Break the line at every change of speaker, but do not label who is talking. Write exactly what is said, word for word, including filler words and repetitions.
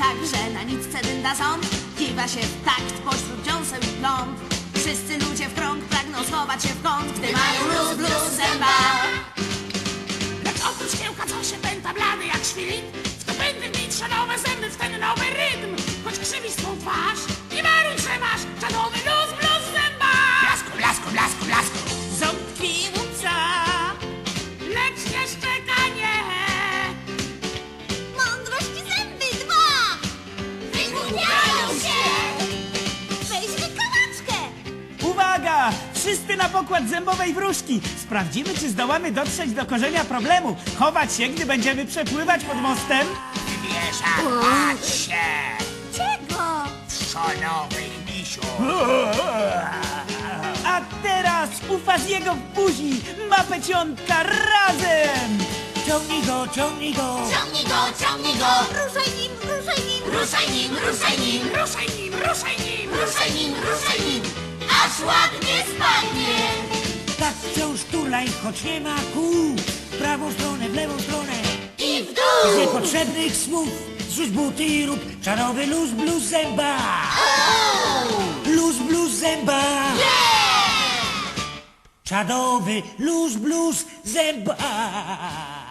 tak, że na nitce dynda ząb kiwa się w takt pośród dziąseł i plomb. Wszyscy ludzie w krąg pragną schować się w kąt, gdy mają luz, luz zęba.
Lecz oprócz kiełka, co się pęta blady jak świt, w to pędy mitrze nowe zęby w ten nowy rytm. Choć krzywi swą twarz, nie maruj, że masz czadowy luz, luz zęba. Blasku, blasku, blasku, blasku.
Ząbki łupca,
Lecz nie szczekanie.
Mądrość zęby dwa! Wygłupiają się! Weźmy kałaczkę!
Uwaga! Wszyscy na pokład zębowej wróżki! Sprawdzimy, czy zdołamy dotrzeć do korzenia problemu. Chować się, gdy będziemy przepływać pod mostem.
Wybierz się.
Czego?
Szonowych misiu.
A teraz u Faziego w buzi ma peciątka razem! Ciągnij go, ciągnij go!
Ciągnij go, ciągnij go! Ruszaj nim, ruszaj nim! Ruszaj nim, ruszaj nim!
Ruszaj nim, ruszaj nim.
Ruszaj nim, ruszaj nim! Aż ładnie spadnie!
Tak wciąż turlaj, choć nie ma kół. W prawą stronę, w lewą stronę.
I w
Z
dół!
niepotrzebnych słów zrzuć buty i rób czarowy luz, bluz zęba. Luz, bluz zęba. Czadowy luz, bluz zęba.